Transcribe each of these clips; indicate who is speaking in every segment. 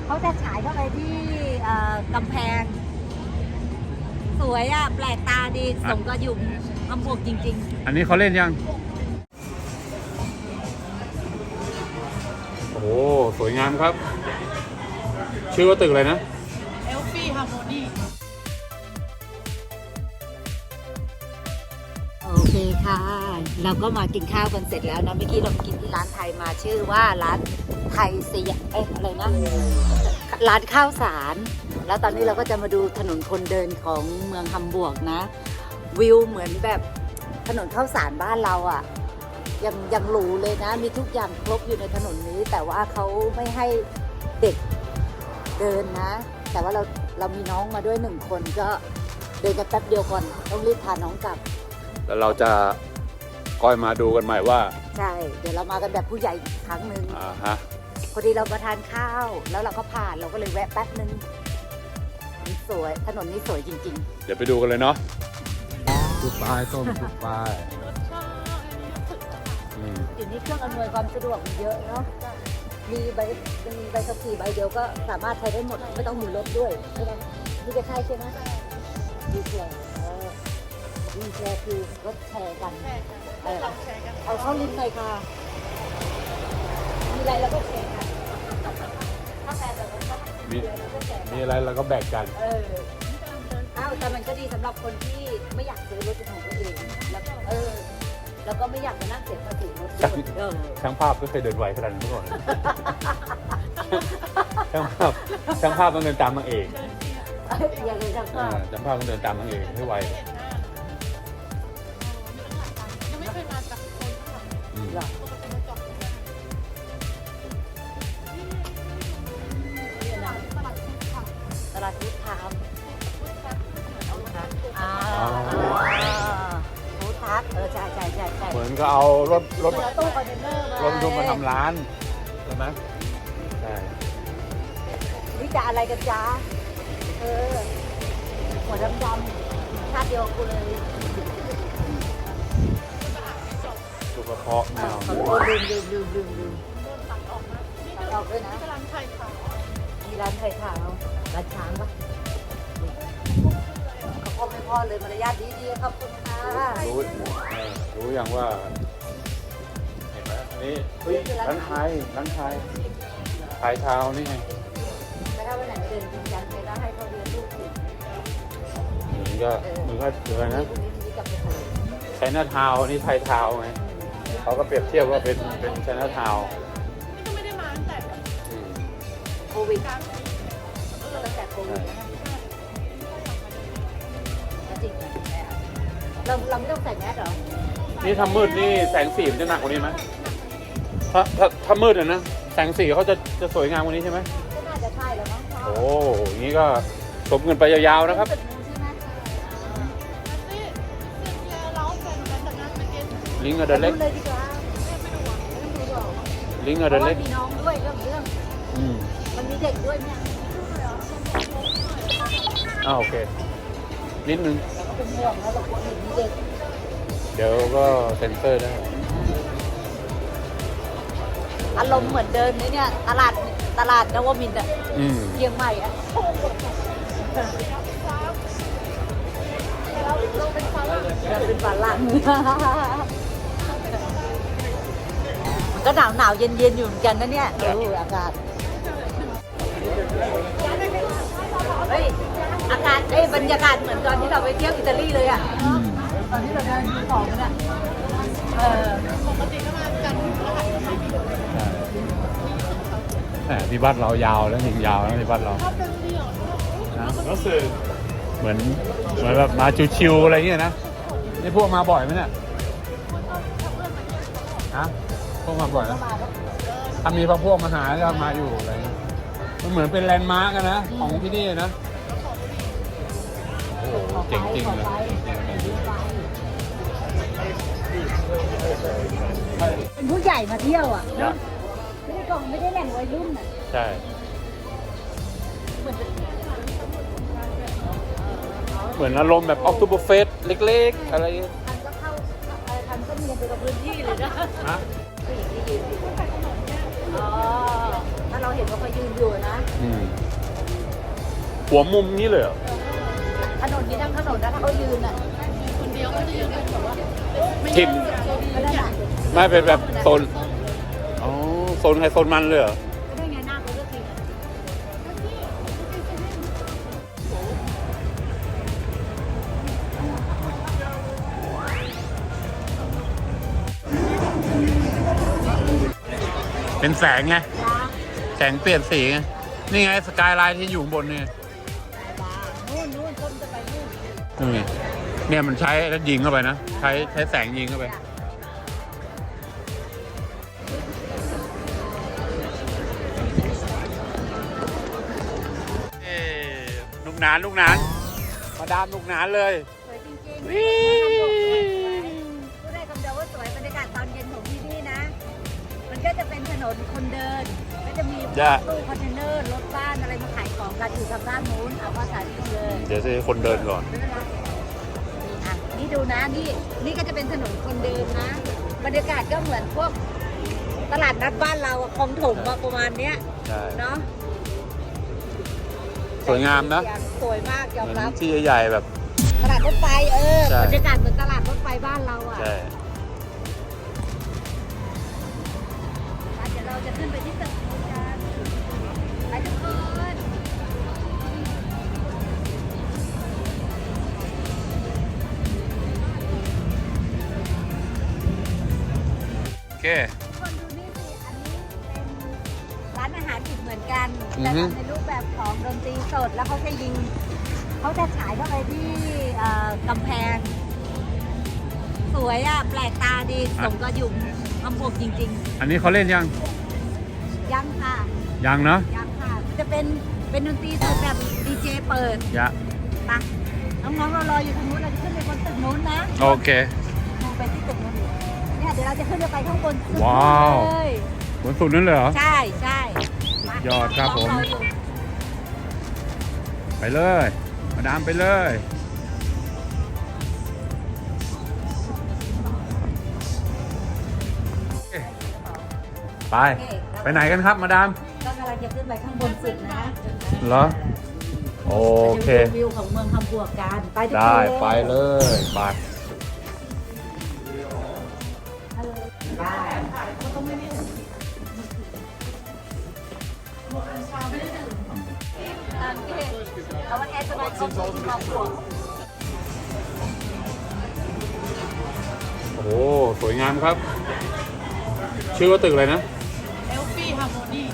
Speaker 1: เขาจะฉายเข้าไปที่กำแพง สวยอ่ะ แปลกตาดีสมกับอยู่ฮัมบูร์กจริง
Speaker 2: อันนี้เขาเล่นยังโอ้โหสวยงามครับ ชื่อว่าตึกอะไรนะ
Speaker 3: เอลฟี่ฮาร์โมนี
Speaker 1: โอเคค่ะ เราก็มากินข้าวกันเสร็จแล้วนะเมื่อกี้เรากินที่ร้านไทยมาชื่อว่าร้านไทยเสียอะไรนะ ร้านข้าวสารแล้วตอนนี้เราก็จะมาดูถนนคนเดินของเมืองฮัมบูร์กนะวิวเหมือนแบบถนนข้าวสารบ้านเราอ่ะยังหรูเลยนะมีทุกอย่างครบอยู่ในถนนนี้แต่ว่าเขาไม่ให้เด็กเดินนะแต่ว่าเรามีน้องมาด้วย1 คนก็เดินกันแป๊บเดียวก่อนต้องรีบพาน้องกลับ
Speaker 2: แล้วเราจะก้อยมาดูกันใหม่ว่า
Speaker 1: ใช่เดี๋ยวเรามากันแบบผู้ใหญ่อีกครั้งหนึ่ง
Speaker 2: ฮะ
Speaker 1: พอดีเรามาทานข้าวแล้วเราก็ผ่านเราก็เลยแวะแป๊บนึงสวยถนนนี้สวยจริง
Speaker 2: ๆเดี๋ยวไปดูกันเลยเนาะทุกป้ายส้มทุกป้าย
Speaker 1: อยู่นี่เครื่องอำนวยความสะดวกเยอะเนาะมีใบขับขี่ใบเดียวก็สามารถใช้ได้หมดไม่ต้องมีรถด้วยใช่ไหมนี่จะใช่ใช่ไหมดีแชร์ดีแชร์คือรถแชร์กันเอาเข้าลิงก์หน่อยค่ะมีอะไรเราก็แชร์กันถ้าแชร์แบบนั้นก็
Speaker 2: มีอะไรเราก็แบ่งกัน
Speaker 1: แต่มันก็ดีสำหรับคนที่ไม่อยากซื้อรถเป็นของตัวเองแล้วก็ไม่อยากมานั่งเสียภาษีรถ
Speaker 2: ช่างภาพก็เคยเดินไวขนาดนี้ก่อนช่างภาพต้องเดินตามนางเอก
Speaker 1: อย่างไรช่างภาพ
Speaker 2: ต้องเดินตามนางเอกให้ไว
Speaker 3: ยังไม่เคยมาจากคนหรอ
Speaker 1: ตลาดพุทธทามพุทธักใช่
Speaker 2: เหมือนก็เอารถ
Speaker 1: ตู้คอนเทนเนอร์
Speaker 2: มาทำร้านใช่ไหมใช่
Speaker 1: นี่จะอะไรกันจ้าหัวดำๆชาติเดียวกูเลย
Speaker 2: สุกระเพาะแมว
Speaker 1: ลืมตัดออกด้วยนะ
Speaker 3: ร้านไทยขาว
Speaker 1: มีร้านไทยขาวร้านช้างปะเขาพ่อไม่พ่อเลยมารยาทดีๆขอบคุณค่ะ
Speaker 2: รู้อย่างว่าเห็นไหมนี่ร้านไทยขายเท้านี่ไง
Speaker 1: แต่ถ้าวันไหนเดินจริงจังเลยแล้วให้เขาเรียนลูกศิษย์
Speaker 2: มันก็เดือนนะไชน่าทาวนี่ไทยทาวไงเขาก็เปรียบเทียบว่าเป็นไชน่าทาว
Speaker 3: นี่ก็ไม่ได้มาตั้งแต่
Speaker 1: โควิดตั้งแต่โควิดนะจริงเราไม่ต้องใส่แมสหรอ
Speaker 2: นี่ถ้ามืดนี่แสงสีมันจะหนักกว่านี้ไหมถ้ามืดนะแสงสีเขาจะสวยงามกว่านี้ใช่ไหม
Speaker 1: ก็น่าจะใช่แล้วมั้ง
Speaker 2: โอ้อย่างนี้ก็สมเงินไปยาวๆนะครับลิงก์เดินเล็กลิงก์เดินเล็ก
Speaker 1: มีน้องด้วยเรื่องมันมีเด็กด้วยเนี่ย
Speaker 2: โอเคนิดนึง
Speaker 1: เป็นห่วงแล้วเราควรมีเด็ก
Speaker 2: เดี๋ยวก็เซ็นเซอร์ได้
Speaker 1: อารมณ์เหมือนเดินเนี่ยตลาดนวมินทร์เชียงใหม่เป็นฝรั่งมันก็หนาวเย็นอยู่เหมือนกันนะเนี่ยอากาศอากาศบรรยากาศเหมือนตอนที่เราไปเที่ยวอิตาลีเลยตอนที่เราเดินดูของกัน
Speaker 3: ปกติก็มากัน
Speaker 2: ที่บ้านเรายาวแล้วยิงยาวแล้วที่บ้านเรารู้สึกเหมือนแบบมาชิวๆอะไรเงี้ยนะนี่พวกมาบ่อยไหมเนี่ยพวกมาบ่อยนะถ้ามีพวกมาหาก็มาอยู่อะไรมันเหมือนเป็นแลนด์มาร์กนะของที่นี่นะโอ้โหเจ๋งจริงเลย
Speaker 1: เป็นผู้ใหญ่มาเที่ยวไม่ได้แหล่งวัยรุ่น
Speaker 2: ใช่เหมือนอารมณ์แบบออกตูบเฟสเล็กๆอะไร
Speaker 1: ทันก็มีไปกับพื้นที่เลยนะผู้หญิงที่ยืนอยู่ถ้าเราเห็นว่าเขายืนอยู่นะ
Speaker 2: หัวมุมนี้เลยเหรอ
Speaker 1: ถนนนี้ทั้งถนนนะถ้าเขายืนอ่ะ
Speaker 3: คนเดียวก็จะยืนเป็นแบบว่าไม่
Speaker 2: ทิ
Speaker 3: ยื
Speaker 2: ม
Speaker 3: นแบบโซน
Speaker 1: ก็ได้
Speaker 3: ใหญ่
Speaker 1: น่ะ
Speaker 2: ไม่เป็นแบบโซนอ๋อโซนใครโซนมันเลยเหรอ
Speaker 1: ก็ได้ไงหน้าเขาก็จริงอะ
Speaker 2: เป็นแสงไง แสงเปลี่ยนสีไง นี่ไงสกายไลน์ที่อยู่ข้างบนเนี่ย
Speaker 1: นู่นต้นจะไปนู่น
Speaker 2: นี่ไงเนี่ยมันใช้แล้วยิงเข้าไปนะ ใช้แสงยิงเข้าไป เอ้ลูกหนานมาดามลูกหนานเลย
Speaker 1: สวยจริงๆ
Speaker 2: วิ
Speaker 1: พูดได้คำเดียวว่าสวยบรรยากาศตอนเย็นของที่นี่นะ มันก็จะเป็นถนนคนเดิน ก็จะมีตู้คอนเทนเนอร์รถบ้านอะไรมาขายของกันอยู่ทางด้านนู้นเอาว่าสายนี้เลย
Speaker 2: เดี๋ยวจะให้คนเดินก่อน
Speaker 1: อ่ะนี่ดูนะนี่ก็จะเป็นถนนคนเดินนะ บรรยากาศก็เหมือนพวกตลาดนัดบ้านเราอะคลองถมอะประมาณเนี้ย
Speaker 2: ใช่
Speaker 1: เนาะ
Speaker 2: สวยงามนะ
Speaker 1: สวยมากยอม
Speaker 2: เหมือน
Speaker 1: รับ
Speaker 2: ที่ใหญ่ๆแบบ
Speaker 1: ตลาดรถไฟ
Speaker 2: ใช่
Speaker 1: บรรยากาศเหมือนตลาดรถไฟบ้านเราอะ
Speaker 2: ใช่
Speaker 1: เดี๋ยวเราจะขึ้นไปที่ตึกนู้นกันไปทุกคน
Speaker 2: โอเค
Speaker 1: ทุกคนดูนี่สิ อันนี้เป็นร้านอาหารอีกเหมือนกัน
Speaker 2: อื
Speaker 1: แต่
Speaker 2: อฮึ
Speaker 1: ทำในรูปแบบของดนตรีสดแล้วเขาจะยิงเขาจะฉายเข้าไปที่กำแพง สวยอ่ะ แปลกตาดีสมกับอยู่อำบวกจริง
Speaker 2: อันนี้เขาเล่นยัง
Speaker 1: ๆ ยังค่ะ
Speaker 2: ยังเนาะ
Speaker 1: ยังค่ะ จะเป็นดนตรีสดแบบดีเจเปิด
Speaker 2: ยะ
Speaker 1: ปะน้องๆเรารออยู่ทางนู้นเราจะขึ้นไปบนตึกนู้นนะ
Speaker 2: โอเค
Speaker 1: มองไปที่ตึกนู้นเนี่ยเดี๋ยวเราจะขึ้นไปข้างบนสุด
Speaker 2: ว้าว
Speaker 1: เลย
Speaker 2: บนสุดนั่นเลยเหรอ
Speaker 1: ใช่ใช่มาย
Speaker 2: อดครับผม
Speaker 1: น้องๆอยู่
Speaker 2: ไปเลย มาดามไปเลย ไป ไปไหนกันครับมาดาม
Speaker 1: ก็กำลังจะขึ้นไปข้างบนสุดนะ
Speaker 2: เหรอ โอเค
Speaker 1: จะดูวิวของเมืองคำบวกกันไปทุกคน
Speaker 2: ได้ไปเลยไป
Speaker 1: ได้เอาวันแอร์สบายเข้าสู่คำบวก
Speaker 2: โอ้โหสวยงามครับ ชื่อว่าตึกอะไรนะ
Speaker 3: เอลฟี่ฮาร์โมนี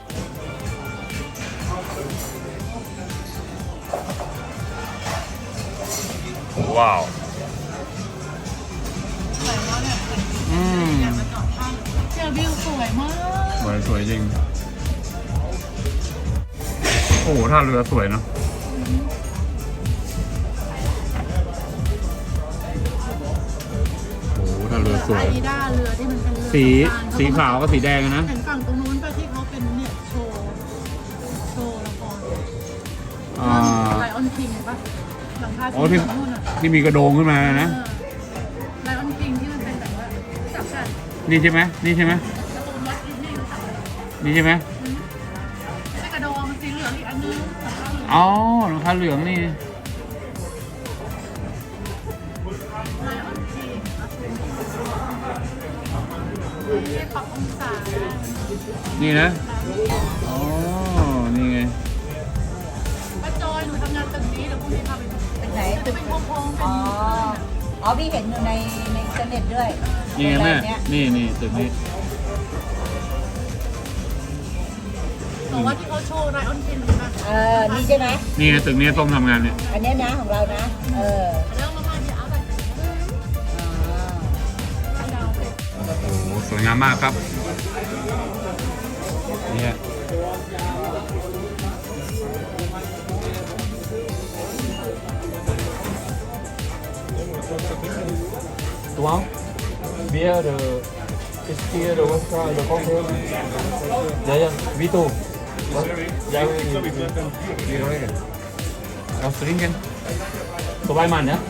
Speaker 2: ว้าว
Speaker 3: สวยมากเนี่ย
Speaker 2: อืม
Speaker 3: อยากมาจอดข้างเจอวิวสวยมาก
Speaker 2: สวยจริง โอ้โหท่าเรือสวยเนาะ โอ้โหท่าเรือสวย
Speaker 3: ไอด้าเรือที่มันเป็นเรือ
Speaker 2: สีขาวกับสีแดงอะนะ
Speaker 3: เห็นฝั่งตรงนู้นไปที่เขาเป็นเนี่ยโชว์ละคร
Speaker 2: อ่า
Speaker 3: ไลออนคิงปะหลังคา
Speaker 2: อ๋อ
Speaker 3: สี
Speaker 2: ที่
Speaker 3: เหลืองนู่นอ่ะ
Speaker 2: ที่มีกระโดงขึ้นมานะ
Speaker 3: ไลออนคิงที่มันเป็นแบบว่าจับกัน
Speaker 2: นี่ใช่ไหมนี่ใช่ไหม
Speaker 3: แล้วตรงวัดดิสนีย์รู้จักไหม
Speaker 2: นี่ใช่ไหม
Speaker 3: ไม่ใช่กระดองมันสีเหลืองอีกอันนึงหลังคาเหลือง
Speaker 2: อ๋อหลังคาเหลืองนี่
Speaker 3: ไลออนคิงไม่ได้ปรับองศา
Speaker 2: นี่นะ อ๋อ นี่ไง
Speaker 3: ป้าจอยหนูทำงานตึกนี้เดี๋ยวพรุ่งนี้พาไปดู
Speaker 1: เป็นไหน
Speaker 3: จะ
Speaker 1: ตึก
Speaker 3: เป็นโค้งๆเป็น
Speaker 1: อ๋อพี่เห็นอยู่ในอินเทอร์เน็ตด้วย
Speaker 2: นี่ไงแม่
Speaker 1: โรงรเนี้ย
Speaker 2: นี่ตึกนี้
Speaker 3: บอกว่าที่เขาโชว์ไลออนคิงนะ
Speaker 1: นี่ใช่ไหม
Speaker 2: นี่ไงตึกนี้ต้องทำงานเนี่ย
Speaker 1: อันเนี้ยนะของเรานะ
Speaker 3: แล้วเรามาที่เอาแบบดาวเป็น
Speaker 2: โอ้โหสวยงามมากครับเนี่ย
Speaker 4: Tuang, beer the whiskey the vodka the cocktail. Ya, Vito. Ya,
Speaker 2: Biro aja. Oh, sering kan? Sulaiman ya?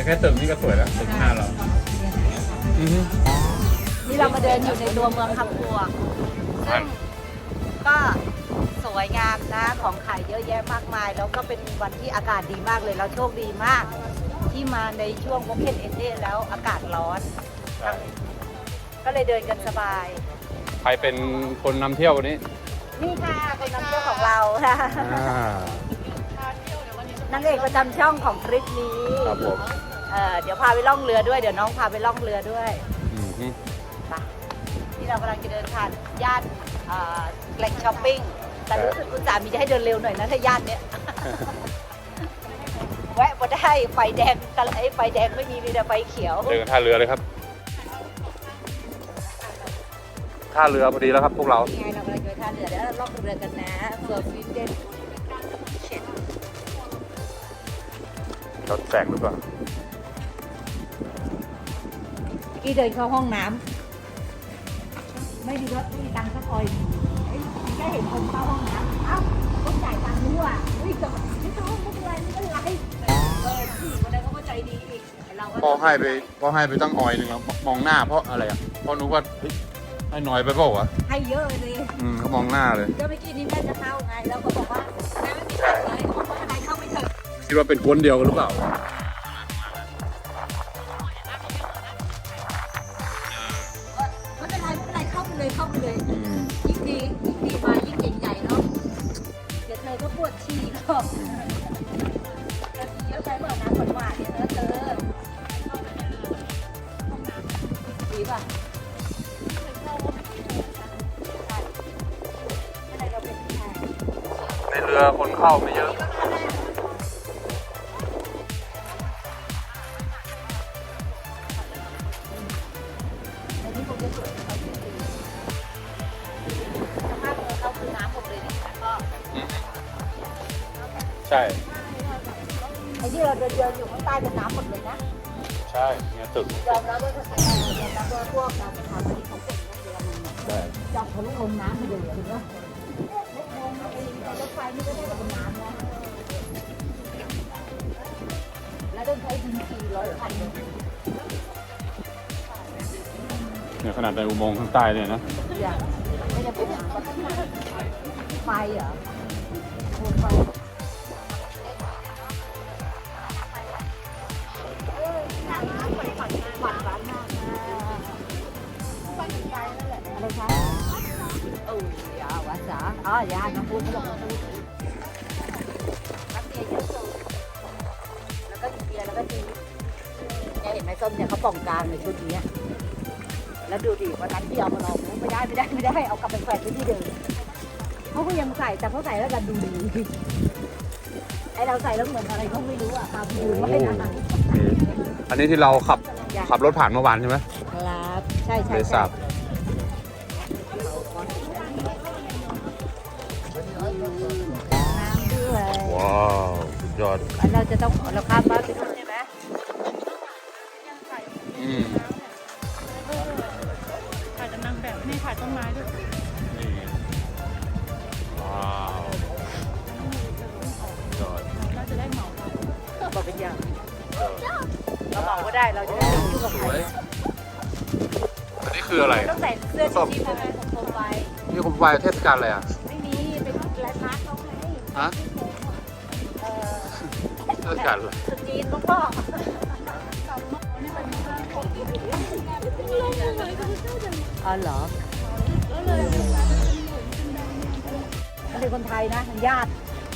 Speaker 2: เนี่ยแค่ตึกนี่ก็สวยแล้วตึกหน้าเราอือฮึ
Speaker 1: นี่เรามาเดินอยู่ในตัวเมืองคำปัวซึ่งก็สวยงามนะของขายเยอะแยะมากมาย แล้วก็เป็นวันที่อากาศดีมากเลยเราโชคดีมาก ที่มาในช่วงโอเพนเอนเดแล้วอากาศร้อน ก็เลยเดินกันสบาย
Speaker 2: ใครเป็นคนนำเที่ยววันนี้
Speaker 1: นี่ค่ะคนนำเที่ยวของเราค่ะ
Speaker 2: อ่าน
Speaker 1: างเอกประจำช่องของทริปนี้
Speaker 2: ครับผม
Speaker 1: เดี๋ยวพาไปล่องเรือด้วยเดี๋ยวน้องพาไปล่องเรือด้วย
Speaker 2: อือฮึ
Speaker 1: ไปที่เรากำลังจะเดินผ่านย่านแหล่งช้อปปิ้งแต่รู้สึกคุณสามีจะให้เดินเร็วหน่อยนะถ้าย่านเนี้ย แวะมาได้ไฟแดงกันไอ้ไฟแดงไม่มีแต่ไฟเขียว
Speaker 2: เดินท่าเรือเลยครับท่าเรือพอดีแล้วครับพวกเรา
Speaker 1: นี่ไงเรากำลังจะไปท่าเรือเดี๋ยวเราล่องเรือกันนะเฟิร์ฟินเดนเช็ด
Speaker 2: รถแสงหรือเปล่า
Speaker 1: กี้เดินเข้าห้องน้ำไม่ดีรถไม่มีตังค์สักคอยแค่เห็นคนเข้าห้องน้ำเอ้าต้องจ่ายตังค์ด้วยอุ้ยจบไม่ต้องไม่เป็นไรไม่เป็นไรผู้หญิงคนนั้นเขาก็ใจดีอีกเราก็
Speaker 2: พ่อให้ไปตั้งออยหนึ่งแล้วมองหน้าเพราะอะไรอ่ะเพราะนึกว่าเฮ้ยให้น้อยไปเปล่าวะ
Speaker 1: ให้เยอะเลย
Speaker 2: เขามองหน้าเลย
Speaker 1: ก็เมื่อกี้นี้แม่จะเข้าไงแล้วก็บอกว่าแม่ไม่มีตังค์เลยเขาบอกว่าอะไรเข้าไม่ถึง
Speaker 2: คิดว่าเป็นคนเดียวกันหรือเปล่า
Speaker 1: ไม่เป็นไรไม่เป็นไรเข้าไปเลยเข้าไปเลยยิ่งดีมายิ่งใหญ่ๆเนาะเดี๋ยวเธอก็ปวดฉี่ก็เยอะไปเมื่อน้ำหวานๆเนี่ยเธอดีป่ะอะไรเราเป็นผู้ชาย
Speaker 2: ในเรือคนเข้าไม่เยอะ
Speaker 1: ในที่ผมจะสวยเขาจริงๆสภาพเรือเขาคือน้ำหมดเลยเนี่ยแล้วก็
Speaker 2: ใช่
Speaker 1: ไอ้ที่เราเดินอยู่ข้างใต้เป็นน้ำหมดเลยนะ
Speaker 2: ใช่เนี่ยตึก
Speaker 1: ยอมรับว่าสถานยอมรับว่าพวกเราสถาปนิกของเก่งเรือมันเนี่ย
Speaker 2: ใช่
Speaker 1: เจาะทะลุลงน้ำมาเลยเห็นไหมรถไฟนี่ก็ได้กับเป็นน้ำนะแล้วต้องใช้ดิน400 คันเลย
Speaker 2: เนี่ยขนาดในอุโมงค์ข้างใต้เนี่ยนะ
Speaker 1: อย่างไม่ได้เป็นน้ำไฟเหรอโคมไฟหวานร้านมากอะไรคะยาวาสาอ๋อยาน้ำพุน้ำพุน้ำเบียร์เยอะสุดแล้วก็เบียร์แล้วก็จีเนี่ยเห็นไหมส้มเนี่ยเขาป่องกลางในชุดนี้แล้วดูดิวันนั้นที่เอามาลองไม่ได้เอากลับไปแขวนไว้ที่เดิมเขาก็ยังใส่แต่เขาใส่แล้วกันดูดีไอเราใส่แล้วเหมือนอะไรก็ไม่รู้อ่ะครับดูไว้นะ
Speaker 2: อันนี้ที่เราขับรถผ่านเมื่อวานใช่ไหม
Speaker 1: ครับใช่
Speaker 2: เลยทราบ
Speaker 1: น้ำด้วย
Speaker 2: ว้าวสุดยอด
Speaker 1: เราจะต้องเราข้ามบ้านไปนู่นใช่ไหม
Speaker 2: อืม
Speaker 3: ถ่ายแต่นางแบบนี่ถ่ายต้นไม้ด้วย
Speaker 2: นี่ว้าวสุดยอด
Speaker 3: เราจะได้เหมาเรา
Speaker 1: บอกเป็นอย่างเราบอกก็ได้เราจะได้ไม่ยุ่งกับ
Speaker 2: ส
Speaker 1: ใคร
Speaker 2: วยอันนี้คืออะไร
Speaker 1: ต้องใส่เสื้อชูชีพทำไมผมโคมไฟ
Speaker 2: นี่คุณไฟเทศกาลอะไรอ่ะ
Speaker 1: ไม่มีเป็นลายพาร์ทเขาให้
Speaker 2: ฮะ
Speaker 1: เออ
Speaker 2: เทศกาลอะไร
Speaker 1: สุดจีนต้องพ่ออ๋อเหรอเขาเป็นคนไทยนะญาติ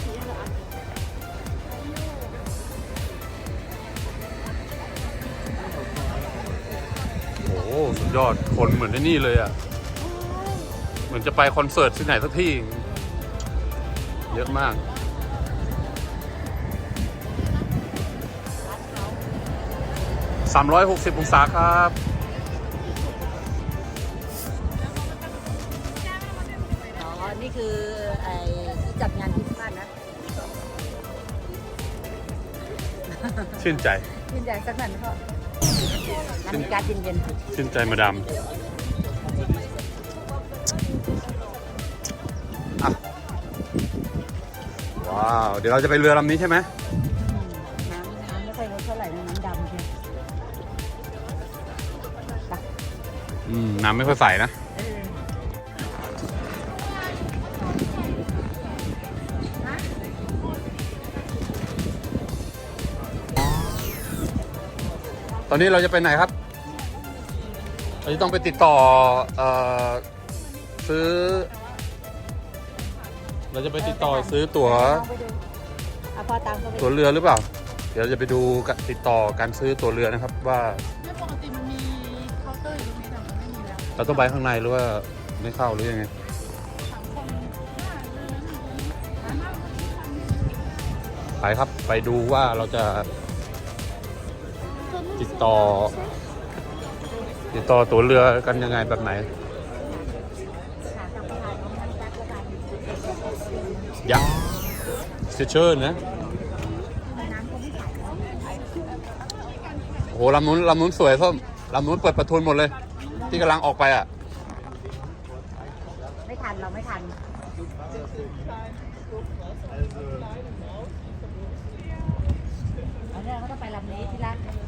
Speaker 2: โอ้โหสุดยอดคนเหมือนในนี่เลยอ่ะ เหมือนจะไปคอนเสิร์ตที่ไหนสักที่ เยอะมาก 360 องศาครับ
Speaker 1: อ๋อ นี่คือไอ้ที่จัดงานคริสต์มาสนะ
Speaker 2: ชื่นใจ
Speaker 1: ชื่นใจสักหน่อยไหมพ่อน้ำมีการเย็น
Speaker 2: ชื่นใจมาดามอ่ะว้าว เดี๋ยวเราจะไปเรือลำนี้ใช่ไหม
Speaker 1: ๆน้ำไม่ค่อยาไหร่นะน้ำดำใช่
Speaker 2: น้ำไม่ค่อยใสนะ ตอนนี้เราจะไปไหนครับ เราจะต้องไปติดต่อซื้อ เราจะไปติดต่อซื้อตั๋ว
Speaker 1: พอตามเขาไป
Speaker 2: ตั๋วเรือหรือเปล่า เดี๋ยวเราจะไปดูติดต่อการซื้อตั๋วเรือนะครับ ว่า
Speaker 3: ไม่ปกติมันมีเคาน์เตอร์อยู่ตรงนี้แต่มันไม่มีแล้ว
Speaker 2: เราต้องไปข้างในหรือว่าไม่เข้าหรือยังไง ไปครับ ไปดูว่าเราจะติดต่อตั๋วเรือกันยังไงแบบไหนยักษ์เชอร์นะโอ้โหลำนู้นสวยส้มลำนู้นเปิดประทุนหมดเลย ที่กำลังออกไปอ่ะ
Speaker 1: ไม่ทันเราไม่ทันอันนี้เขาต้องไปลำนี้ที่ร้าน